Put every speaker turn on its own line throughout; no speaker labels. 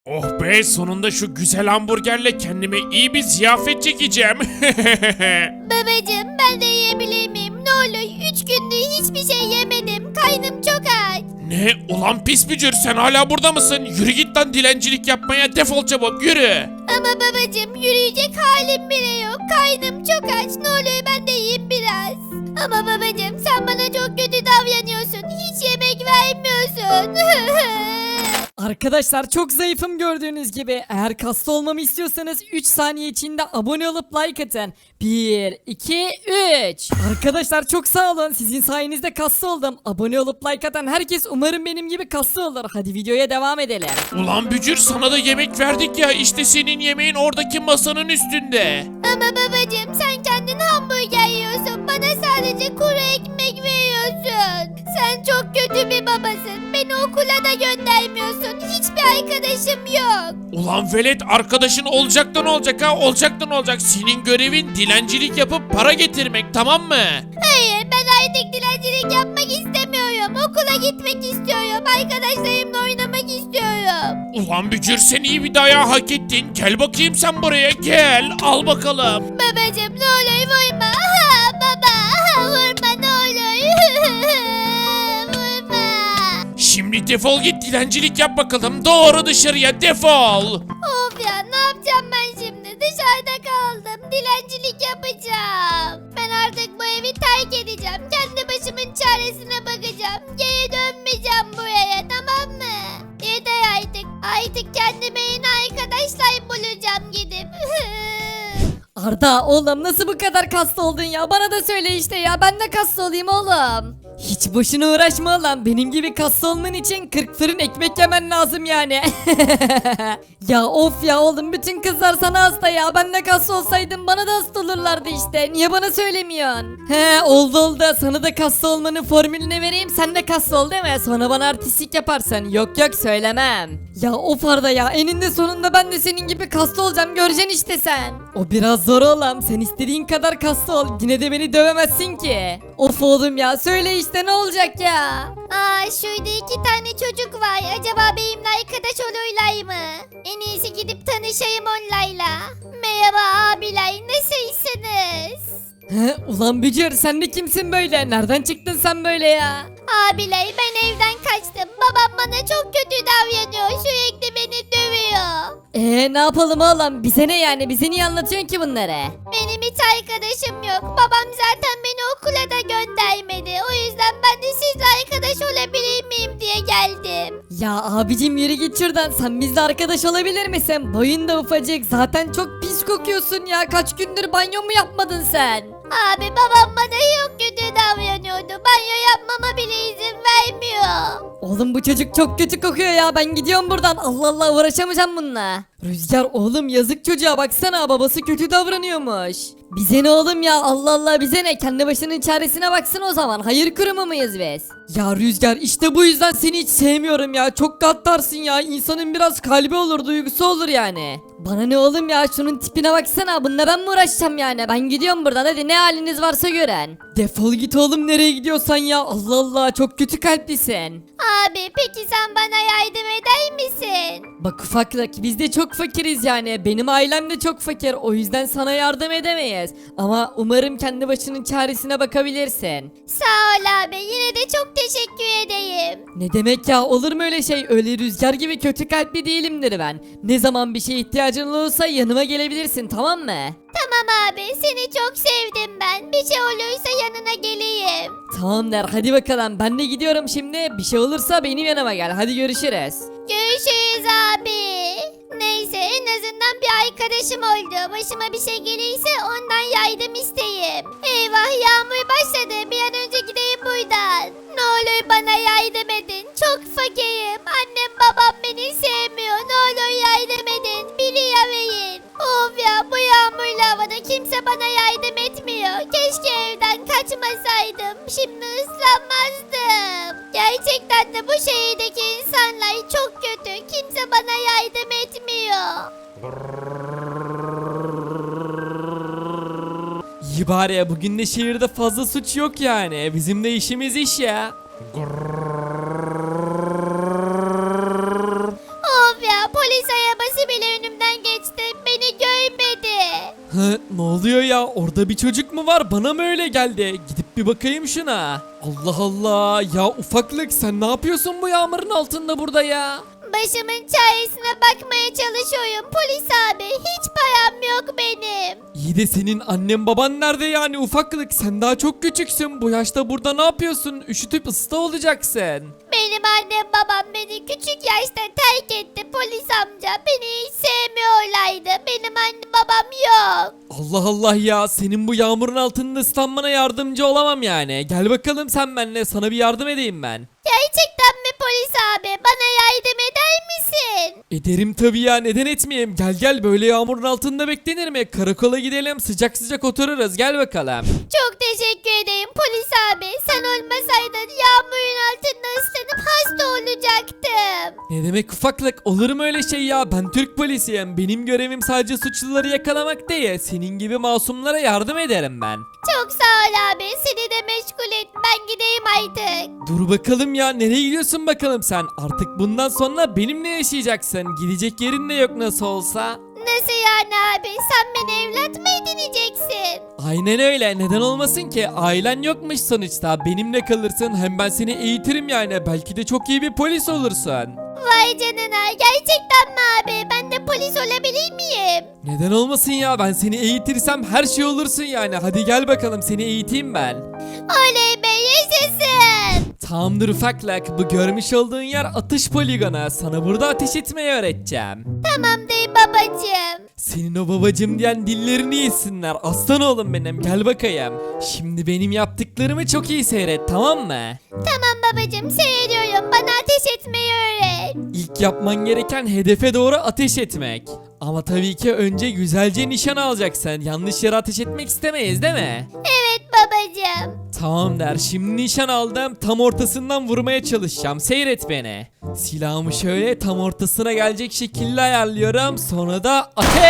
Oh be, sonunda şu güzel hamburgerle kendime iyi bir ziyafet çekeceğim.
Babacım ben de yiyebilir miyim? Ne olur 3 gündür hiçbir şey yemedim. Karnım çok aç.
Ne? Ulan pis bücür, sen hala burada mısın? Yürü git lan, dilencilik yapmaya defol çabuk, yürü.
Ama babacım yürüyecek halim bile yok. Karnım çok aç. Ne olur ben de yiyeyim biraz. Ama babacım sen bana çok kötü davranıyorsun. Hiç yemek vermiyorsun.
Arkadaşlar çok zayıfım gördüğünüz gibi. Eğer kaslı olmamı istiyorsanız 3 saniye içinde abone olup like atın. 1, 2, 3. Arkadaşlar çok sağ olun. Sizin sayenizde kaslı oldum. Abone olup like atan herkes umarım benim gibi kaslı olur. Hadi videoya devam edelim.
Ulan bücür, sana da yemek verdik ya, işte senin yemeğin oradaki masanın üstünde.
Ama babacım sen kendin hamburger yiyorsun. Bana sadece kuru ekmek veriyorsun. Sen çok kötü bir babasın. Beni okula da göndermiyorsun. Hiçbir arkadaşım yok.
Ulan velet, arkadaşın olacaktan olacak ha, olacaktan olacak. Senin görevin dilencilik yapıp para getirmek, tamam mı?
Hayır ben artık dilencilik yapmak istemiyorum. Okula gitmek istiyorum. Arkadaşlarımla oynamak istiyorum.
Ulan bücür, sen iyi bir dayağı hak ettin. Gel bakayım sen buraya, gel al bakalım.
Babacım ne olur vurma. Ha, baba vurma ne olur. Vurma.
Şimdi defol git, dilencilik yap bakalım. Doğru dışarıya defol.
Of ya ne yapacağım ben şimdi? Dışarıda kaldım. Dilencilik yapacağım. Ben artık bu evi terk edeceğim. Kendi başımın çaresine bakacağım. Geri dönmeyeceğim buraya, tamam mı? Yeter artık. Artık kendime yeni arkadaşlar bulacağım gidip.
Arda oğlum nasıl bu kadar kaslı oldun ya? Bana da söyle işte ya. Ben de kaslı olayım oğlum. Hiç boşuna uğraşma lan. Benim gibi kaslı olman için 40 fırın ekmek yemen lazım yani. Ya of ya oğlum, bütün kızlar sana hasta ya. Ben de kaslı olsaydım bana da hasta olurlardı işte. Niye bana söylemiyorsun? He oldu. Sana da kaslı olmanın formülünü vereyim. Sen de kaslı ol değil mi? Sonra bana artistlik yaparsın. Yok söylemem. Ya of Arda ya, eninde sonunda ben de senin gibi kaslı olacağım, göreceksin işte sen. O biraz zor oğlum, sen istediğin kadar kaslı ol, yine de beni dövemezsin ki. Of oğlum ya, söyle işte ne olacak ya?
Aa şurada 2 tane çocuk var. Acaba benimle arkadaş olurlar mı? En iyisi gidip tanışayım onlarla. Merhaba abiler, nasılsınız?
He ulan Bücür, sen de kimsin böyle? Nereden çıktın sen böyle ya?
Abiler ben evden kaçtım. Babam bana çok kötü davranıyor. Sürekli beni dövüyor.
Ne yapalım oğlum, bize ne yani, bize niye anlatıyorsun ki bunları?
Benim hiç arkadaşım yok. Babam zaten beni okula da göndermedi. O yüzden ben de sizle arkadaş olabilir miyim diye geldim.
Ya abicim yürü git şuradan, sen bizle arkadaş olabilir misin? Boyun da ufacık, zaten çok pis kokuyorsun ya, kaç gündür banyo mu yapmadın sen?
Abi babam bana çok kötü davranıyordu. Banyo yapmama bile izin vermiyor.
Oğlum bu çocuk çok kötü kokuyor ya, ben gidiyorum buradan. Allah Allah, uğraşamayacağım bununla. Rüzgar oğlum, yazık çocuğa, baksana babası kötü davranıyormuş. Bize ne oğlum ya, Allah Allah, bize ne, kendi başının çaresine baksın o zaman. Hayır kurumu muyuz biz? Ya Rüzgar, işte bu yüzden seni hiç sevmiyorum ya, çok gaddarsın ya, insanın biraz kalbi olur, duygusu olur yani. Bana ne oğlum ya, şunun tipine baksana, bununla ben mi uğraşacağım yani? Ben gidiyorum buradan, hadi ne haliniz varsa gören. Defol git oğlum, nereye gidiyorsan ya, Allah Allah, çok kötü kalplisin.
Abi peki sen bana yardım eder misin?
Bak ufaklık, biz de çok fakiriz yani, benim ailem de çok fakir, o yüzden sana yardım edemeyiz. Ama umarım kendi başının çaresine bakabilirsin.
Sağ ol abi, yine de çok teşekkür edeyim.
Ne demek ya, olur mu öyle şey? Öyle Rüzgar gibi kötü kalpli değilimdir ben. Ne zaman bir şeye ihtiyacın olursa yanıma gelebilirsin, tamam mı?
Tamam abi, seni çok sevdim ben. Bir şey olursa yanına geleyim.
Tamam der, hadi bakalım, ben de gidiyorum şimdi, bir şey olursa benim yanıma gel, hadi görüşürüz.
Görüşürüz abi. Neyse en azından bir arkadaşım oldu. Başıma bir şey gelirse ondan yardım isteyeyim. Eyvah yağmur başladı. Bir an önce gideyim buradan. Ne olur bana yardım edin. Çok fakirim. Annem babam beni sevmiyor. Ne olur yardım edin. Biri verin. Of ya, bu yağmurlu havada kimse bana yardım etmiyor. Keşke evden kaçmasaydım. Şimdi ıslanmazdım. Gerçekten de bu şehirdeki insanlar çok kötü. Kimse bana yardım etmiyor.
İyi bari ya, bugün de şehirde fazla suç yok yani. Bizim de işimiz iş ya.
Of ya, polis
Ne oluyor ya? Orada bir çocuk mu var? Bana mı öyle geldi? Gidip bir bakayım şuna. Allah Allah. Ya ufaklık sen ne yapıyorsun bu yağmurun altında burada ya?
Başımın çaresine bakmaya çalışıyorum polis abi. Hiç param yok benim.
İyi de senin annen baban nerede yani ufaklık? Sen daha çok küçüksün. Bu yaşta burada ne yapıyorsun? Üşütüp ısta olacaksın.
Benim annem babam beni küçük yaşta terk etti polis amca. Beni hiç sevmiyorlardı. Benim annem babam yok.
Allah Allah ya. Senin bu yağmurun altında ıslanmana yardımcı olamam yani. Gel bakalım sen benimle. Sana bir yardım edeyim ben.
Gerçekten mi polis abi? Bana yardım eder misin?
Ederim tabii ya, neden etmeyeyim? Gel gel, böyle yağmurun altında beklenir mi? Karakola gidelim, sıcak sıcak otururuz, gel bakalım.
Çok teşekkür ederim polis abi. Sen olmasaydın yağmurun altında ıslanıp hasta olacaktım.
Ne demek ufaklık, olur mu öyle şey ya? Ben Türk polisiyim. Benim görevim sadece suçluları yakalamak değil. Senin gibi masumlara yardım ederim ben.
Çok sağ ol abi. Seni de meşgul et. Ben gideyim artık.
Dur bakalım ya, nereye gidiyorsun bakalım sen? Artık bundan sonra benimle yaşayacaksın. Gidecek yerin de yok nasıl olsa.
Nasıl yani abi? Sen beni evlat mı edineceksin?
Aynen öyle, neden olmasın ki? Ailen yokmuş sonuçta, benimle kalırsın, hem ben seni eğitirim yani, belki de çok iyi bir polis olursun.
Vay canına. Gerçekten mi abi? Ben de polis olabilir miyim?
Neden olmasın ya, ben seni eğitirsem her şey olursun yani. Hadi gel bakalım, seni eğiteyim ben.
Oley be, yaşasın.
Tamamdır ufaklık, bu görmüş olduğun yer atış poligonu. Sana burada ateş etmeyi öğreteceğim.
Tamamdır babacığım.
Senin o babacım diyen dillerini yesinler. Aslan oğlum benim, gel bakayım. Şimdi benim yaptıklarımı çok iyi seyret, tamam mı?
Tamam babacığım, seyrediyorum. Bana ateş etmeyi öğret.
İlk yapman gereken hedefe doğru ateş etmek. Ama tabii ki önce güzelce nişan alacaksın. Yanlış yere ateş etmek istemeyiz değil mi?
Evet babacığım.
Tamam der, şimdi nişan aldım, tam ortasından vurmaya çalışacağım, seyret beni. Silahımı şöyle tam ortasına gelecek şekilde ayarlıyorum, sonra da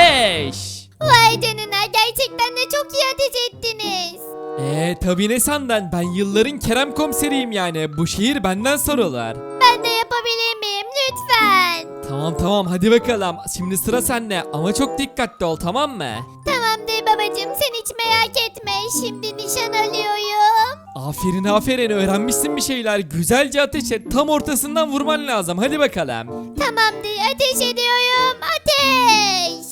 ateş.
Vay canına, gerçekten de çok iyi ateş ettiniz.
Tabi ne sandın, ben yılların Kerem komiseriyim yani, bu şehir benden sorulur.
Ben de yapabilir miyim lütfen?
Tamam hadi bakalım, şimdi sıra sende ama çok dikkatli ol, tamam mı?
Tamamdır babacığım, sen hiç merak etme. Şimdi nişan alıyorum.
Aferin öğrenmişsin bir şeyler, güzelce ateş et, tam ortasından vurman lazım, hadi bakalım.
Tamamdır, ateş ediyorum. Ateş.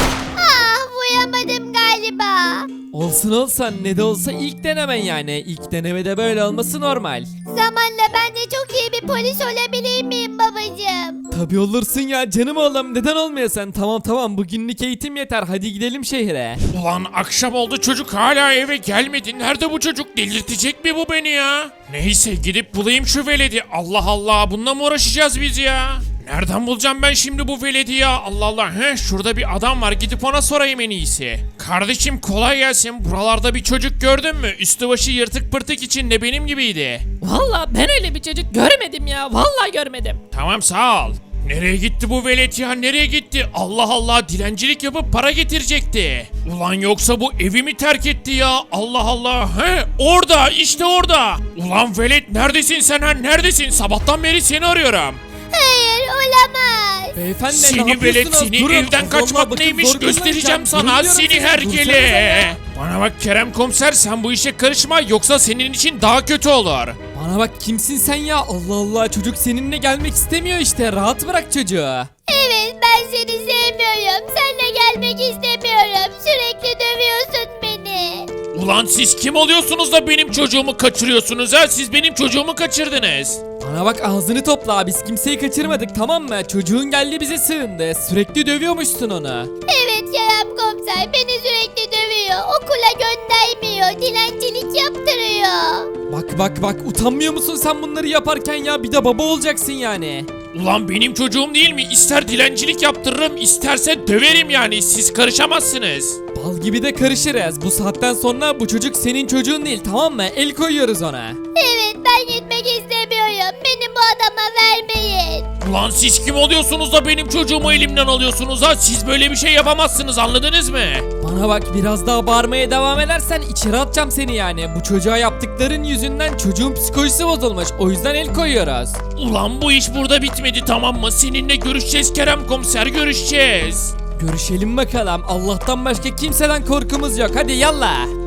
Ah, vuramadım galiba.
Olsun ne de olsa ilk denemen yani, ilk denemede böyle olması normal.
Zamanla ben de çok iyi bir polis olabilir miyim babacığım?
Tabi olursun ya canım oğlum, neden olmayasın? Tamam bugünlük eğitim yeter, hadi gidelim şehre.
Ulan akşam oldu, çocuk hala eve gelmedi. Nerede bu çocuk? Delirtecek mi bu beni ya? Neyse, gidip bulayım şu veledi. Allah Allah, bununla mı uğraşacağız biz ya? Nereden bulacağım ben şimdi bu veledi ya? Allah Allah. Şurada bir adam var, gidip ona sorayım en iyisi. Kardeşim kolay gelsin. Buralarda bir çocuk gördün mü? Üstü başı yırtık pırtık içinde, benim gibiydi.
Valla ben öyle bir çocuk görmedim ya. Vallahi görmedim.
Tamam, sağ ol. Nereye gitti bu velet ya, nereye gitti? Allah Allah, dilencilik yapıp para getirecekti. Ulan yoksa bu evi mi terk etti ya? Allah Allah. Orada, işte orada. Ulan velet, neredesin sen ha, neredesin? Sabahtan beri seni arıyorum.
Hayır, olamaz.
Beyefendi ne
Seni
yapıyorsunuz?
velet, seni
Durun.
evden
Allah
kaçmak
Allah, bakın
neymiş
zor
göstereceğim
durun
sana,
diyorum
seni
size.
hergele.
Dursanıza ya.
Bana bak Kerem komiser, sen bu işe karışma, yoksa senin için daha kötü olur.
Bana bak, kimsin sen ya? Allah Allah, çocuk seninle gelmek istemiyor işte, rahat bırak çocuğu.
Evet, ben seni sevmiyorum. Seninle gelmek istemiyorum. Sürekli dövüyorsun beni.
Ulan siz kim oluyorsunuz da benim çocuğumu kaçırıyorsunuz ha? Siz benim çocuğumu kaçırdınız.
Bana bak, ağzını topla, biz kimseyi kaçırmadık tamam mı? Çocuğun geldi bize sığındı, sürekli dövüyormuşsun onu.
Evet Kerem komiser, beni sürekli dövüyor. Okula göndermiyor. Dilencilik yaptırıyor.
Bak utanmıyor musun sen bunları yaparken ya? Bir de baba olacaksın yani.
Ulan benim çocuğum değil mi? İster dilencilik yaptırırım, isterse döverim yani. Siz karışamazsınız.
Bal gibi de karışırız. Bu saatten sonra bu çocuk senin çocuğun değil, tamam mı? El koyuyoruz ona.
Evet, ben gitmek istemiyorum. Beni bu adama vermeyin.
Ulan siz kim oluyorsunuz da benim çocuğumu elimden alıyorsunuz ha? Siz böyle bir şey yapamazsınız, anladınız mı?
Bana bak, biraz daha bağırmaya devam edersen içeri atacağım seni yani. Bu çocuğa yaptıkların yüzünden çocuğun psikolojisi bozulmuş. O yüzden el koyuyoruz.
Ulan bu iş burada bitmedi, tamam mı? Seninle görüşeceğiz Kerem komiser, görüşeceğiz.
Görüşelim bakalım. Allah'tan başka kimseden korkumuz yok. Hadi yallah.